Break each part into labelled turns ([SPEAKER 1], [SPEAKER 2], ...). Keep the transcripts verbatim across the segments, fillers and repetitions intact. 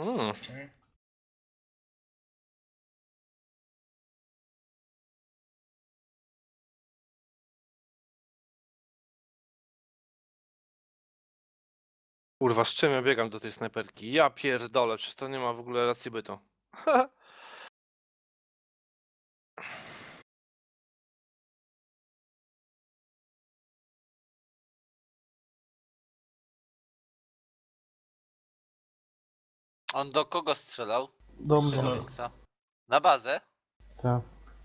[SPEAKER 1] Mm.
[SPEAKER 2] Okay.
[SPEAKER 1] Kurwa, z czym ja biegam do tej snajperki? Ja pierdolę, przecież to nie ma w ogóle racji bytu.
[SPEAKER 3] On do kogo strzelał?
[SPEAKER 4] Do mnie.
[SPEAKER 2] Dobra.
[SPEAKER 3] Większa. Na bazę?
[SPEAKER 4] Tak.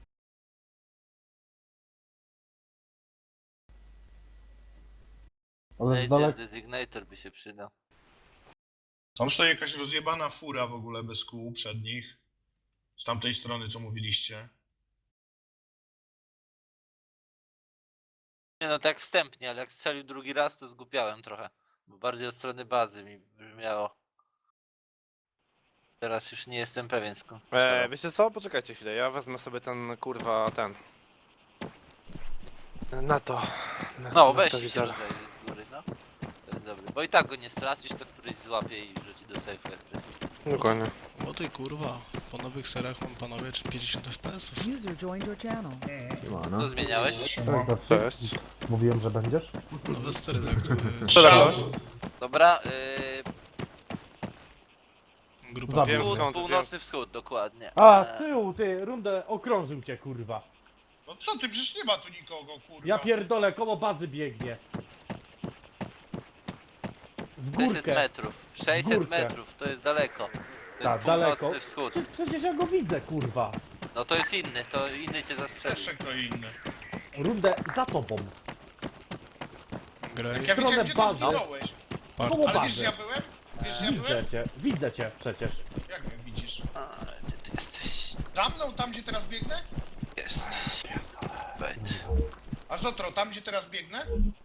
[SPEAKER 4] Ale z
[SPEAKER 3] Laser
[SPEAKER 4] daleka.
[SPEAKER 3] Designator by się przydał.
[SPEAKER 2] Tam stoi jakaś rozjebana fura w ogóle bez kół przednich. Z tamtej strony, co mówiliście.
[SPEAKER 3] Nie no, tak wstępnie, ale jak strzelił drugi raz, to zgubiałem trochę. Bo bardziej od strony bazy mi brzmiało. Teraz już nie jestem pewien skąd
[SPEAKER 1] E,
[SPEAKER 3] strzelał.
[SPEAKER 1] wiecie co? Poczekajcie chwilę, ja wezmę sobie ten kurwa ten. Na to. Na,
[SPEAKER 3] No,
[SPEAKER 1] na
[SPEAKER 3] weź
[SPEAKER 1] to
[SPEAKER 3] i się
[SPEAKER 1] wizor.
[SPEAKER 3] rozejrzyj z góry, no. To jest dobry. Bo i tak go nie stracisz, to któryś złapie i wrzuci do safe'u jak chcesz.
[SPEAKER 1] Dokładnie.
[SPEAKER 5] O ty kurwa, po nowych seriach mam panowie pięćdziesiąt F P S-ów.
[SPEAKER 6] User joined your channel.
[SPEAKER 4] Siemano.
[SPEAKER 3] Co zmieniałeś?
[SPEAKER 2] Siema.
[SPEAKER 1] Cześć.
[SPEAKER 4] Mówiłem, że będziesz?
[SPEAKER 5] Nowe stery tak to
[SPEAKER 2] Strzał.
[SPEAKER 3] Dobra, yy,
[SPEAKER 5] grupa
[SPEAKER 4] Zabił.
[SPEAKER 1] Wiem
[SPEAKER 3] wschód,
[SPEAKER 1] skąd,
[SPEAKER 3] północny wschód, dokładnie.
[SPEAKER 4] A,
[SPEAKER 3] Eee,
[SPEAKER 4] z tyłu, ty, rundę okrążył cię, kurwa.
[SPEAKER 2] No co ty, przecież nie ma tu nikogo, kurwa.
[SPEAKER 4] Ja pierdolę, koło bazy biegnie. W
[SPEAKER 3] sześćset
[SPEAKER 4] górkę.
[SPEAKER 3] metrów. sześćset
[SPEAKER 4] Górkę.
[SPEAKER 3] metrów, to jest daleko. To
[SPEAKER 4] Tak,
[SPEAKER 3] jest
[SPEAKER 4] daleko.
[SPEAKER 3] północny wschód.
[SPEAKER 4] Prze- Przecież ja go widzę, kurwa.
[SPEAKER 3] No to jest inny, to inny cię zastrzeli.
[SPEAKER 2] Jeszcze kto inny.
[SPEAKER 4] Rundę za tobą.
[SPEAKER 5] graj,
[SPEAKER 2] Jak ja
[SPEAKER 4] stronę
[SPEAKER 2] widziałem, gdzie ty
[SPEAKER 4] bazy.
[SPEAKER 2] zginąłeś.
[SPEAKER 5] part.
[SPEAKER 4] Koło
[SPEAKER 2] Ale wiesz, że
[SPEAKER 4] bazy.
[SPEAKER 2] ja byłem? Wiesz, że ja
[SPEAKER 4] Widzę
[SPEAKER 2] byłem?
[SPEAKER 4] cię, widzę cię przecież.
[SPEAKER 2] Jak mnie widzisz?
[SPEAKER 3] A, gdzie ty jesteś?
[SPEAKER 2] Za mną, tam gdzie teraz biegnę?
[SPEAKER 3] Jesteś. Wejdź.
[SPEAKER 2] A Zotro, tam gdzie teraz biegnę?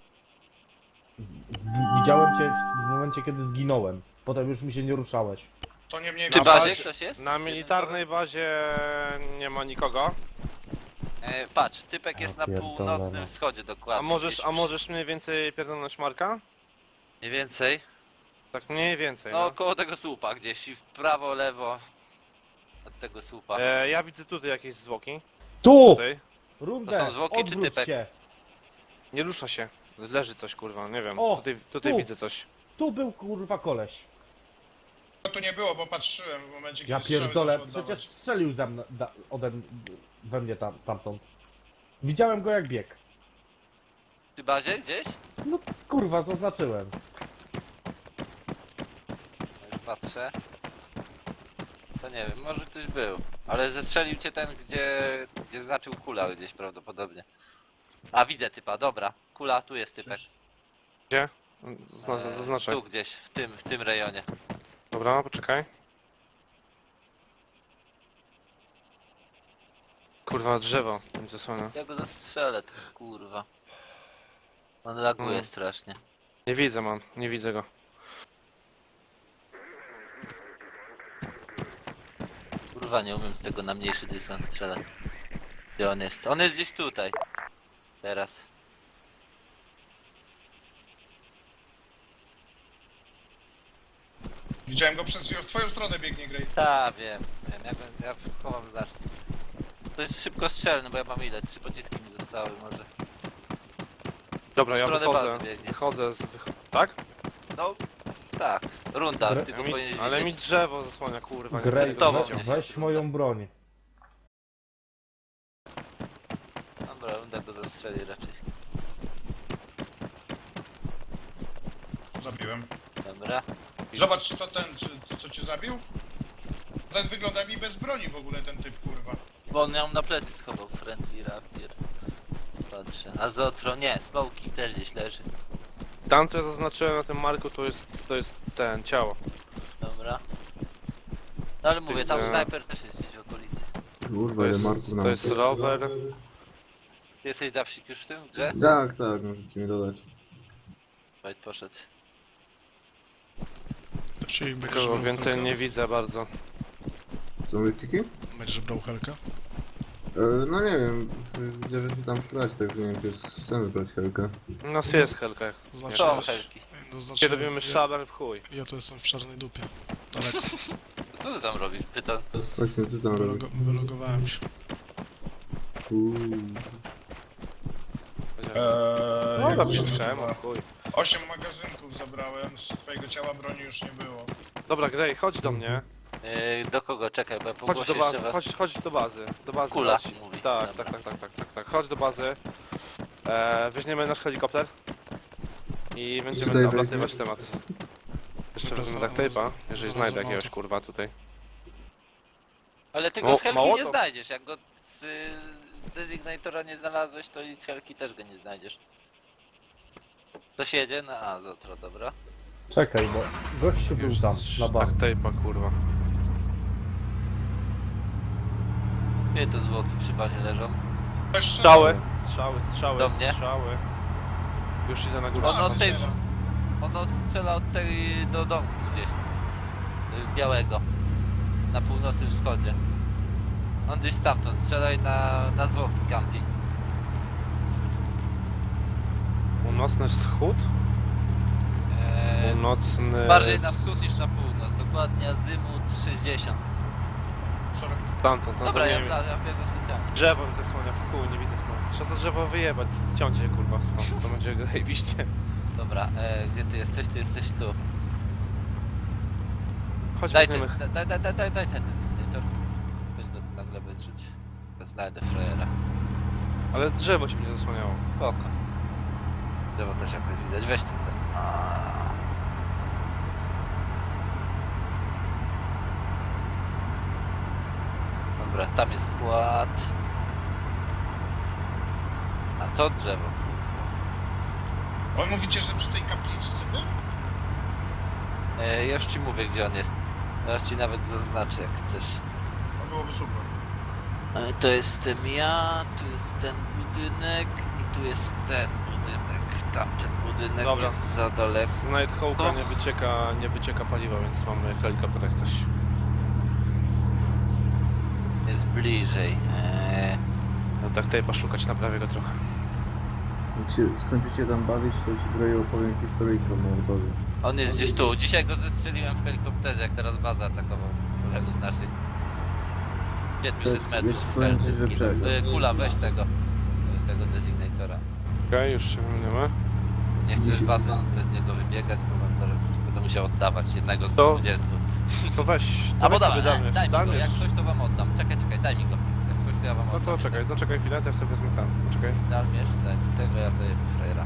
[SPEAKER 4] W- Widziałem cię w momencie, kiedy zginąłem. Potem już mi się nie ruszałeś.
[SPEAKER 2] To nie mnie
[SPEAKER 3] Przy
[SPEAKER 2] na
[SPEAKER 3] bazie ktoś jest?
[SPEAKER 1] Na militarnej bazie nie ma nikogo.
[SPEAKER 3] E, patrz, typek jest na
[SPEAKER 4] pierdolę,
[SPEAKER 3] północnym
[SPEAKER 4] no.
[SPEAKER 3] wschodzie dokładnie.
[SPEAKER 1] A możesz,
[SPEAKER 3] gdzieś
[SPEAKER 1] a możesz mniej więcej pierdolnąć Marka?
[SPEAKER 3] Mniej więcej.
[SPEAKER 1] Tak mniej więcej,
[SPEAKER 3] No
[SPEAKER 1] no.
[SPEAKER 3] koło tego słupa gdzieś i w prawo, lewo. Od tego słupa.
[SPEAKER 1] E, ja widzę tutaj jakieś zwłoki.
[SPEAKER 4] Tu!
[SPEAKER 1] Tutaj.
[SPEAKER 4] Rundę,
[SPEAKER 3] To są zwłoki czy
[SPEAKER 4] odwróć
[SPEAKER 3] typek?
[SPEAKER 4] się.
[SPEAKER 1] Nie rusza się. Leży coś, kurwa, nie wiem.
[SPEAKER 4] O,
[SPEAKER 1] tutaj tutaj
[SPEAKER 4] tu.
[SPEAKER 1] widzę coś.
[SPEAKER 4] Tu był, kurwa, koleś.
[SPEAKER 2] No tu nie było, bo patrzyłem w momencie, kiedy
[SPEAKER 4] Ja
[SPEAKER 2] strzały
[SPEAKER 4] pierdolę,
[SPEAKER 2] zaczął oddawać.
[SPEAKER 4] przecież strzelił ze mną, da, ode m- we mnie tam, tamtąd. Widziałem go jak biegł.
[SPEAKER 3] Przy bazie gdzieś?
[SPEAKER 4] No kurwa, zaznaczyłem.
[SPEAKER 3] Już patrzę. To nie wiem, może ktoś był. Ale zestrzelił cię ten, gdzie, gdzie znaczył kula gdzieś prawdopodobnie. A widzę typa, dobra. Kula, tu jest typek.
[SPEAKER 1] Gdzie? Zna,
[SPEAKER 3] Eee,
[SPEAKER 1] zaznaczaj.
[SPEAKER 3] Tu gdzieś, w tym, w tym rejonie.
[SPEAKER 1] Dobra, poczekaj. Kurwa, drzewo mi zasłania.
[SPEAKER 3] Ja go zastrzelę, ty kurwa. On laguje
[SPEAKER 1] Mm.
[SPEAKER 3] strasznie.
[SPEAKER 1] Nie widzę, man, nie widzę go.
[SPEAKER 3] Kurwa, nie umiem z tego na mniejszy dystans strzelać. Gdzie on jest? On jest gdzieś tutaj. Teraz.
[SPEAKER 2] Widziałem go przez w twoją stronę biegnie, Grey.
[SPEAKER 3] Ta, wiem, wiem, ja, go- ja chowam znacznie. To jest szybko strzelny, bo ja mam ile? Trzy pociski mi zostały może.
[SPEAKER 1] Dobra,
[SPEAKER 3] W
[SPEAKER 1] ja
[SPEAKER 3] stronę
[SPEAKER 1] wychodzę.
[SPEAKER 3] bazy biegnie.
[SPEAKER 1] Wychodzę z... Wych... Tak?
[SPEAKER 3] No, tak. Runda,
[SPEAKER 4] Gre-
[SPEAKER 3] ty go
[SPEAKER 1] Mi...
[SPEAKER 3] powinieneś
[SPEAKER 1] Ale mi
[SPEAKER 3] widzieć.
[SPEAKER 1] drzewo zasłania, kurwa. nie
[SPEAKER 4] Grey,
[SPEAKER 1] będę go
[SPEAKER 3] to
[SPEAKER 1] widział.
[SPEAKER 3] mnie.
[SPEAKER 4] weź moją broń.
[SPEAKER 3] Dobra, runda go zastrzeli raczej.
[SPEAKER 2] Zabiłem.
[SPEAKER 3] Dobra.
[SPEAKER 2] Zobacz, czy to ten, czy, co cię zabił? Ten wygląda mi bez broni w ogóle, ten typ, kurwa.
[SPEAKER 3] Bo on miał na plecy schował friendly rapier. Patrzę. A Zotro, nie, smoki też gdzieś leży.
[SPEAKER 1] Tam, co ja zaznaczyłem na tym marku, to jest, to jest ten, ciało.
[SPEAKER 3] Dobra. No ale mówię, tam
[SPEAKER 1] Widzę.
[SPEAKER 3] snajper też jest gdzieś w okolicy.
[SPEAKER 7] Kurwa,
[SPEAKER 1] To
[SPEAKER 7] ile
[SPEAKER 1] jest,
[SPEAKER 7] marków na
[SPEAKER 1] to jest rower.
[SPEAKER 3] Ty jesteś Dawsik już w tym grze?
[SPEAKER 7] Tak, tak, możecie mi dodać.
[SPEAKER 3] Wait, poszedł.
[SPEAKER 5] Czyli będziesz
[SPEAKER 1] Nikogo
[SPEAKER 5] brał
[SPEAKER 1] więcej
[SPEAKER 5] helkę?
[SPEAKER 1] nie widzę bardzo.
[SPEAKER 7] Co mówicie?
[SPEAKER 5] Będziesz brał helkę?
[SPEAKER 7] E, no nie wiem, widzę, że się tam szukać, także nie wiem, czy jest sens brać helkę.
[SPEAKER 1] U nas jest helka.
[SPEAKER 5] Znaczy,
[SPEAKER 3] To
[SPEAKER 5] coś-
[SPEAKER 3] helki.
[SPEAKER 5] To znaczy,
[SPEAKER 1] Kiedy robimy
[SPEAKER 5] ja,
[SPEAKER 1] szabel w chuj.
[SPEAKER 5] ja to jestem w czarnej dupie. Daleko.
[SPEAKER 3] Co ty tam robisz? Pytam.
[SPEAKER 7] Właśnie, co tam robisz?
[SPEAKER 5] Wylogo, wylogowałem się.
[SPEAKER 7] Uuu.
[SPEAKER 2] Eee,
[SPEAKER 1] No
[SPEAKER 2] jak
[SPEAKER 1] dobrze,
[SPEAKER 2] mówię,
[SPEAKER 1] czekałem,
[SPEAKER 2] chyba
[SPEAKER 1] chuj.
[SPEAKER 2] Osiem magazynków zabrałem, z twojego ciała broni już nie było.
[SPEAKER 1] Dobra, Grey, chodź do mnie.
[SPEAKER 3] Yy, do kogo? Czekaj, bo ja
[SPEAKER 1] Chodź
[SPEAKER 3] pogłoszę
[SPEAKER 1] do bazy,
[SPEAKER 3] jeszcze was.
[SPEAKER 1] chodź, chodź do bazy. Do bazy
[SPEAKER 3] Kula
[SPEAKER 1] chodź.
[SPEAKER 3] mówi.
[SPEAKER 1] Tak,
[SPEAKER 3] Dobra.
[SPEAKER 1] tak, tak, tak, tak, tak, tak. Chodź do bazy. E, weźmiemy nasz helikopter. I będziemy
[SPEAKER 7] Tutaj
[SPEAKER 1] oblatywać temat. Jeszcze
[SPEAKER 5] Dobra,
[SPEAKER 1] wezmę
[SPEAKER 5] za-
[SPEAKER 1] duct tape'a,
[SPEAKER 5] za-
[SPEAKER 1] jeżeli
[SPEAKER 5] za-
[SPEAKER 1] znajdę
[SPEAKER 5] za
[SPEAKER 1] jakiegoś
[SPEAKER 5] małto.
[SPEAKER 1] kurwa tutaj.
[SPEAKER 3] Ale ty
[SPEAKER 1] O,
[SPEAKER 3] go z Helki
[SPEAKER 1] mało
[SPEAKER 3] nie
[SPEAKER 1] to.
[SPEAKER 3] znajdziesz. Jak go z, y, z Designatora nie znalazłeś, to i z Helki też go nie znajdziesz. Ktoś jedzie? Na A, Zotro, dobra.
[SPEAKER 4] Czekaj, bo gościu był tam, na
[SPEAKER 1] Duct
[SPEAKER 4] bank.
[SPEAKER 1] tape'a kurwa.
[SPEAKER 3] Gdzie to zwłoki przy banie leżą?
[SPEAKER 2] Też
[SPEAKER 1] Strzały, strzały, strzały,
[SPEAKER 3] Do mnie?
[SPEAKER 1] strzały. Już idę na górę.
[SPEAKER 3] On od tej...
[SPEAKER 2] strzela.
[SPEAKER 3] On odstrzela od tej do domku gdzieś. Y, Białego. Na północnym wschodzie. On gdzieś stamtąd strzelaj na, na zwłoki Gampi.
[SPEAKER 1] Północny wschód?
[SPEAKER 3] Eee,
[SPEAKER 1] Północny...
[SPEAKER 3] bardziej na wschód niż na północ. Dokładnie azymut sześćdziesiąt.
[SPEAKER 2] Sorry.
[SPEAKER 1] Tamtąd, tamtąd.
[SPEAKER 3] Dobra,
[SPEAKER 1] nie
[SPEAKER 3] ja,
[SPEAKER 1] wiem.
[SPEAKER 3] ja, ja biegam specjalnie.
[SPEAKER 1] Drzewo mi zasłania w chuj, nie widzę stąd. Trzeba to drzewo wyjebać, ściąć je kurwa stąd, to będzie zajebiście.
[SPEAKER 3] Dobra, e, gdzie ty jesteś? Ty jesteś tu.
[SPEAKER 1] Chodź
[SPEAKER 3] Daj ten,
[SPEAKER 1] weźmiemy...
[SPEAKER 3] daj, daj, daj, daj, daj ten detektor. Weź go na glebę zrzuć. To znajdę frajera.
[SPEAKER 1] Ale drzewo się mnie zasłaniało.
[SPEAKER 3] Spoko. Drzewo też jakoś widać. Weź ten ten. Aaaa. Dobra, tam jest kład. A to drzewo.
[SPEAKER 2] On mówicie, że przy tej kapliczce był?
[SPEAKER 3] E, już ci mówię, gdzie on jest. Teraz ci nawet zaznaczę, jak chcesz.
[SPEAKER 2] To byłoby super.
[SPEAKER 3] E, To jestem ja, tu jest ten budynek i tu jest ten budynek. Tamten budynek
[SPEAKER 1] Dobra.
[SPEAKER 3] jest za daleko.
[SPEAKER 1] Z Nighthawka nie wycieka, nie wycieka paliwa, więc mamy helikopter jak coś.
[SPEAKER 3] Jest bliżej. Eee,
[SPEAKER 1] No tak tape'a szukać, naprawię go trochę.
[SPEAKER 7] Jak się skończycie tam bawić, to ci Grey opowiem historyjkę o Mołotowie.
[SPEAKER 3] on jest gdzieś tu. Dzisiaj go zestrzeliłem w helikopterze, jak teraz bazę atakował kolegów naszych. pięćset
[SPEAKER 7] Ja
[SPEAKER 3] metrów.
[SPEAKER 7] ci powiem coś
[SPEAKER 3] Helsinki.
[SPEAKER 7] lepszego.
[SPEAKER 3] E, Kula, weź tego. e, Tego designatora.
[SPEAKER 1] Okej, już się wymieniamy.
[SPEAKER 3] Nie chcę z
[SPEAKER 7] Dzisiaj-
[SPEAKER 3] bazy bez niego wybiegać, bo wam teraz będę musiał oddawać jednego z
[SPEAKER 1] To-
[SPEAKER 3] dwudziestu.
[SPEAKER 1] To weź, to
[SPEAKER 3] Albo
[SPEAKER 1] weź sobie
[SPEAKER 3] dawaj,
[SPEAKER 1] damy,
[SPEAKER 3] daj mi go,
[SPEAKER 1] damy.
[SPEAKER 3] jak coś to wam oddam. Czekaj, czekaj, daj mi go. Jak coś to ja wam
[SPEAKER 1] No
[SPEAKER 3] oddam.
[SPEAKER 1] to czekaj, no czekaj chwilę, to ja sobie wezmę tam, poczekaj.
[SPEAKER 3] Dalmierz, daj mi tego, ja zajebę frajera.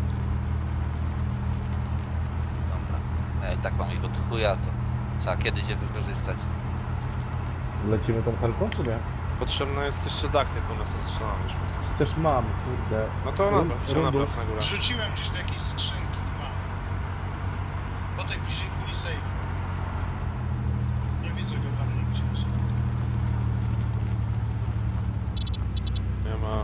[SPEAKER 3] Dobra. Ja i tak mam ich od chuja, to trzeba kiedyś je wykorzystać.
[SPEAKER 4] Lecimy tą helką, czy nie?
[SPEAKER 1] Potrzebna jest jeszcze duct tape u nas ostrzelony już mocno.
[SPEAKER 4] Przecież mam, kurde.
[SPEAKER 1] No to
[SPEAKER 4] Rund-
[SPEAKER 1] napraw, się
[SPEAKER 4] rundów.
[SPEAKER 1] napraw na górę.
[SPEAKER 2] Rzuciłem gdzieś do jakiejś skrzynki, dwa. Po tej bliżej kuli save. Nie widzę go tam nigdzie.
[SPEAKER 1] Nie ma...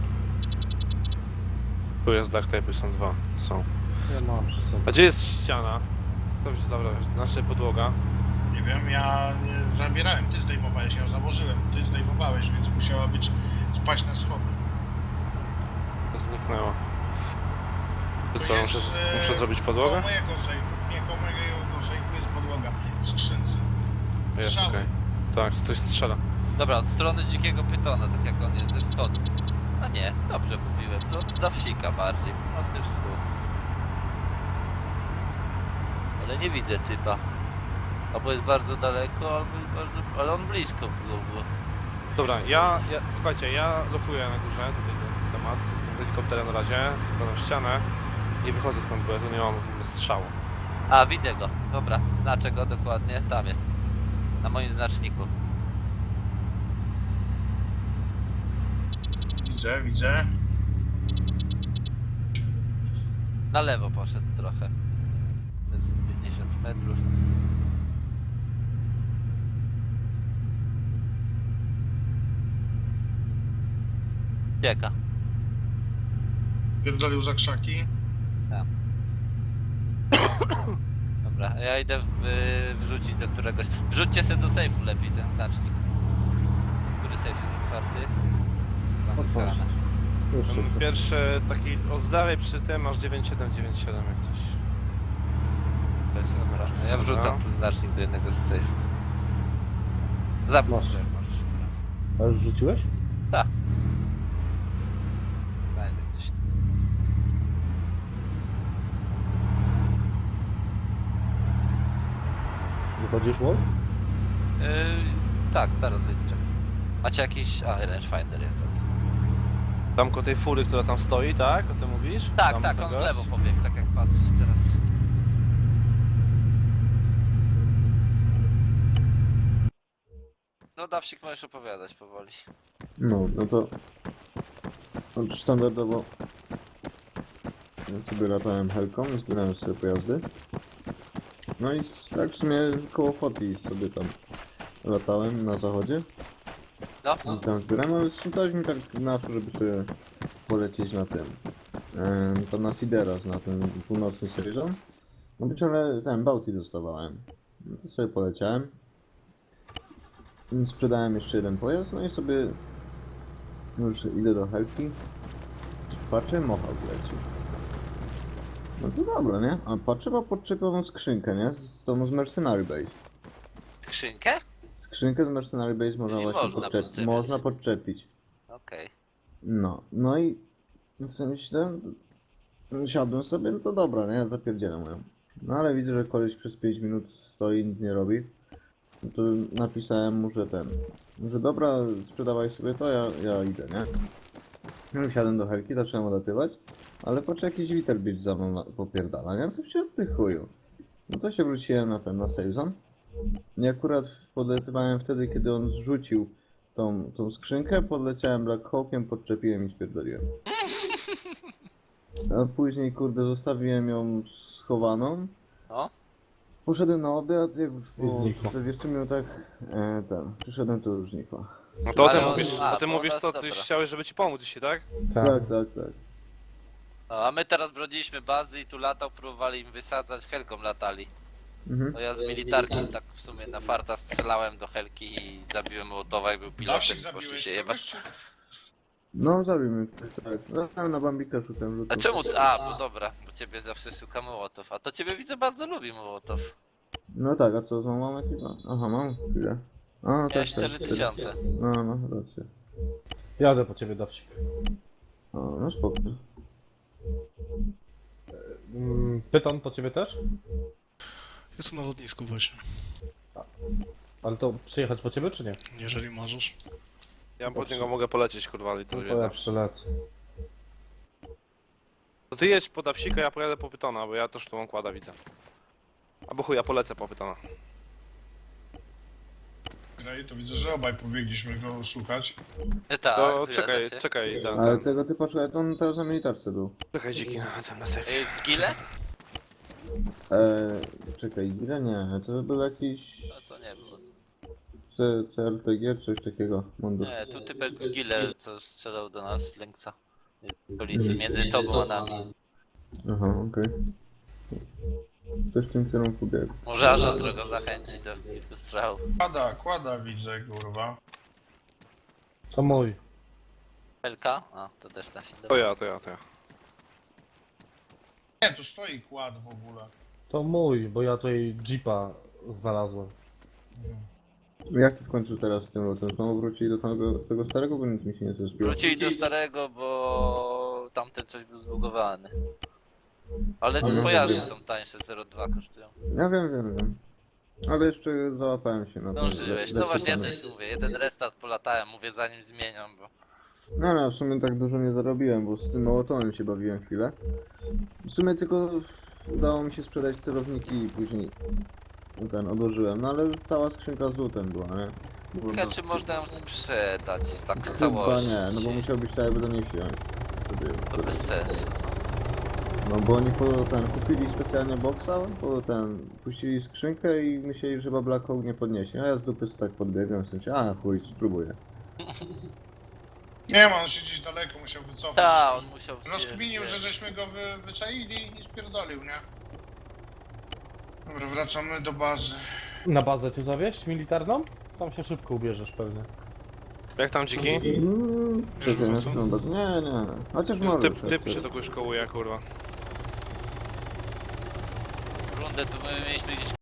[SPEAKER 1] Tu jest duct tape, są dwa, są.
[SPEAKER 4] Ja mam przy sobie.
[SPEAKER 1] A gdzie jest ściana? To się zabrałeś, znaczy podłoga.
[SPEAKER 2] Nie wiem, ja nie zabierałem, ty zdejmowałeś, ja założyłem, ty zdejmowałeś, więc musiała być spaść na schody.
[SPEAKER 1] To zniknęło. To
[SPEAKER 2] To
[SPEAKER 1] co,
[SPEAKER 2] jest,
[SPEAKER 1] muszę,
[SPEAKER 2] e,
[SPEAKER 1] muszę zrobić
[SPEAKER 2] Koło
[SPEAKER 1] podłogę?
[SPEAKER 2] mojego sejfu, nie, koło mojego sejfu jest podłoga w skrzynce.
[SPEAKER 1] Jest,
[SPEAKER 2] strzały.
[SPEAKER 1] okej. Tak, coś strzela.
[SPEAKER 3] Dobra, od strony dzikiego pytona, tak jak on jest ze wschodu. A nie, dobrze mówiłem, no od na wsika bardziej, północny wschód. Ale nie widzę typa. Albo jest bardzo daleko, albo jest bardzo... ale on blisko było. było.
[SPEAKER 1] Dobra, ja, ja słuchajcie, ja lokuję na górze tutaj ten temat z tym helikopterem na razie, zakładam ścianę i wychodzę stąd, bo ja tu nie mam w ogóle strzału.
[SPEAKER 3] A, widzę go. Dobra, znaczę go dokładnie. Tam jest. Na moim znaczniku.
[SPEAKER 2] Widzę, widzę.
[SPEAKER 3] Na lewo poszedł trochę. siedemset pięćdziesiąt metrów. Biega.
[SPEAKER 2] Pierdolił za krzaki.
[SPEAKER 3] Dobra, ja idę w, wrzucić do któregoś. Wrzućcie sobie do sejfu lepiej ten znacznik. Który sejf jest otwarty? Tam
[SPEAKER 4] Otwórz.
[SPEAKER 3] otwierane.
[SPEAKER 4] Już
[SPEAKER 1] Ten
[SPEAKER 4] jest.
[SPEAKER 1] pierwszy taki, od z dalej przy tym masz dziewięć siedem dziewięć siedem jak coś. To jest
[SPEAKER 3] Dobra, ja wrzucam tu znacznik do jednego z safe. Zabierz, jak możesz teraz.
[SPEAKER 4] A już rzuciłeś?
[SPEAKER 3] Znajdę gdzieś.
[SPEAKER 4] Wychodzisz, Wolf?
[SPEAKER 3] Yy, tak, zaraz wyjdzie. Macie jakiś... A, rangefinder jest.
[SPEAKER 1] Tam koło tej fury, która tam stoi, tak? O tym mówisz?
[SPEAKER 3] Tak,
[SPEAKER 1] Tam
[SPEAKER 3] tak, on w
[SPEAKER 1] gość?
[SPEAKER 3] lewo pobiegł, tak jak patrzysz teraz. No Dawsik, możesz opowiadać powoli.
[SPEAKER 7] No, no to... no, standardowo... Ja sobie latałem helką i zbierałem sobie pojazdy. No i s- tak w sumie koło Foti sobie tam latałem na zachodzie.
[SPEAKER 3] No,
[SPEAKER 7] I tam zbierałem, ale dałeś mi tak naszło, żeby sobie polecieć na tym. Em, to na Sideros, na ten północny Serizon. No być ale ten Bounty dostawałem. No to sobie poleciałem. Sprzedałem jeszcze jeden pojazd, no i sobie już idę do helki. Patrzę, Mohawk leci. No to dobra, nie? A patrzę, ma podczepiową skrzynkę, nie? Z tą z Mercenary Base.
[SPEAKER 3] skrzynkę?
[SPEAKER 7] Skrzynkę z Mercenary Base można
[SPEAKER 3] Nie
[SPEAKER 7] właśnie
[SPEAKER 3] można
[SPEAKER 7] podczepić.
[SPEAKER 3] podczepiać.
[SPEAKER 7] Można podczepić.
[SPEAKER 3] Okej.
[SPEAKER 7] No, no i co myślę, siadłem sobie, no to dobra, nie? Zapierdzielam ją. No ale widzę, że koleś przez pięć minut stoi, nic nie robi. No to napisałem mu, że ten, że dobra, sprzedawaj sobie to, ja, ja idę, nie? No i wsiadłem do helki, zacząłem odlatywać, ale patrz, jakiś Witherbeach za mną na- popierdala, nie? Co się od tych chuju? No to się wróciłem na ten, na save zone. I akurat podlatywałem wtedy, kiedy on zrzucił tą, tą skrzynkę, podleciałem Black Hawkiem, podczepiłem i spierdoliłem. A później, kurde, zostawiłem ją schowaną.
[SPEAKER 3] No.
[SPEAKER 7] Poszedłem na obiad, jak już po
[SPEAKER 4] znikła.
[SPEAKER 7] czterdziestu minutach e, ten, przyszedłem, to już znikła.
[SPEAKER 1] No to o tym
[SPEAKER 3] Ale on-
[SPEAKER 1] mówisz,
[SPEAKER 3] a,
[SPEAKER 1] o tym
[SPEAKER 3] to
[SPEAKER 1] mówisz
[SPEAKER 3] ona-
[SPEAKER 1] co, ty
[SPEAKER 3] dobra.
[SPEAKER 1] chciałeś, żeby ci pomóc dzisiaj, tak?
[SPEAKER 7] Tak, tak, tak.
[SPEAKER 3] No, a my teraz brodziliśmy bazy i tu latał, próbowali im wysadzać, helką latali.
[SPEAKER 7] Mhm.
[SPEAKER 3] No ja z militarki tak w sumie na farta strzelałem do helki i zabiłem Mołotowa i był pilotem
[SPEAKER 2] Dawsik
[SPEAKER 3] i poszli
[SPEAKER 2] zabiłeś
[SPEAKER 3] się
[SPEAKER 2] kogoś,
[SPEAKER 3] jebać.
[SPEAKER 2] czy...
[SPEAKER 7] No, zabił mnie, tak, tak. No, na Bambika szukam
[SPEAKER 3] A
[SPEAKER 7] rzutów.
[SPEAKER 3] czemu? A, bo dobra, bo ciebie zawsze szuka Mołotow. A to ciebie widzę bardzo lubi Mołotow.
[SPEAKER 7] No tak, a co, znowu mam jakieś? Aha, mam chwilę. A, tak,
[SPEAKER 3] Miałeś
[SPEAKER 7] tak.
[SPEAKER 3] cztery tysiące.
[SPEAKER 7] No, no, racja.
[SPEAKER 4] Jadę po ciebie, Dawsik.
[SPEAKER 7] O, no spoko.
[SPEAKER 4] Mm, Pyton po ciebie też?
[SPEAKER 5] Jestem na lotnisku właśnie.
[SPEAKER 4] Ale to przyjechać po ciebie, czy nie?
[SPEAKER 5] Jeżeli możesz.
[SPEAKER 1] Ja pod niego mogę polecieć, kurwa, ale to
[SPEAKER 4] No to ja przylecę.
[SPEAKER 1] To ty jedź po Dawsika, ja pojadę po Pytona, bo ja też tu mam kłada widzę. Albo chuj, ja polecę po Pytona.
[SPEAKER 2] No i to widzę, że obaj pobiegliśmy go szukać.
[SPEAKER 3] E, tak,
[SPEAKER 1] To
[SPEAKER 3] zgadza
[SPEAKER 1] czekaj,
[SPEAKER 3] się.
[SPEAKER 1] czekaj, ten,
[SPEAKER 7] Ale
[SPEAKER 1] ten.
[SPEAKER 7] tego typa szukaj, to on teraz na militarce był.
[SPEAKER 1] Czekaj dziki na ten na sejfie.
[SPEAKER 3] E, z Gile?
[SPEAKER 7] Eee, czekaj, ile nie, to był jakiś
[SPEAKER 3] No to nie było.
[SPEAKER 7] C, C R T G, coś takiego, mundur.
[SPEAKER 3] Nie, tu typek w Gile, co strzelał do nas z Lęksa. Policji między tobą a nami.
[SPEAKER 7] Aha, okej. Coś w tym kierunku biegł.
[SPEAKER 3] Może aż on trochę zachęci do kilku strzałów.
[SPEAKER 2] Kłada, kłada widzę, kurwa.
[SPEAKER 4] To mój.
[SPEAKER 3] Helka? A, to też da się.
[SPEAKER 1] To ja, to ja, to ja.
[SPEAKER 2] Nie, tu stoi kład w ogóle.
[SPEAKER 4] To mój, bo ja tutaj jeepa znalazłem.
[SPEAKER 7] Jak ty w końcu teraz z tym lotem? Znowu wrócili do tego, tego starego, bo nic mi się nie zespiło.
[SPEAKER 3] Wrócili do starego, bo tamten coś był zbugowany. Ale
[SPEAKER 7] Mhm.
[SPEAKER 3] pojazdy są tańsze, zero przecinek dwa kosztują.
[SPEAKER 7] Ja wiem, wiem, wiem. Ale jeszcze załapałem się na to.
[SPEAKER 3] Dążyłeś. No właśnie, ja też mówię, jeden restart polatałem, mówię zanim zmieniam, bo...
[SPEAKER 7] No, no, w sumie tak dużo nie zarobiłem, bo z tym mołotonem się bawiłem chwilę. W sumie tylko udało mi się sprzedać celowniki i później ten odłożyłem, no ale cała skrzynka z lutem była, nie? Było
[SPEAKER 3] Ciekawe,
[SPEAKER 7] do-
[SPEAKER 3] czy można ją sprzedać tak w
[SPEAKER 7] Chyba
[SPEAKER 3] całości.
[SPEAKER 7] nie, no bo musiałbyś tak jakby do niej wziąć. Wtedy,
[SPEAKER 3] To
[SPEAKER 7] wtedy.
[SPEAKER 3] bez sensu.
[SPEAKER 7] No bo oni po ten kupili specjalnie boxa, po ten puścili skrzynkę i myśleli, że chyba Black Hawk nie podniesie. A ja z dupy sobie tak podbiegłem w sensie, a chuj, spróbuję.
[SPEAKER 2] Nie ma, on się gdzieś daleko musiał wycofać.
[SPEAKER 3] Tak, on musiał...
[SPEAKER 2] Rozkminił, że żeśmy go wy, wyczaili i spierdolił, nie? Dobra, wracamy do bazy.
[SPEAKER 4] Na bazę cię zawieźć militarną? Tam się szybko ubierzesz pewnie.
[SPEAKER 1] Jak tam dziki?
[SPEAKER 7] Mm, czekaj,
[SPEAKER 5] wrócą?
[SPEAKER 7] no, no, nie, nie. Chociaż może.
[SPEAKER 1] Typ, typ się do kogoś kołuje, kurwa.
[SPEAKER 3] Runda kurde, to my mieliśmy gdzieś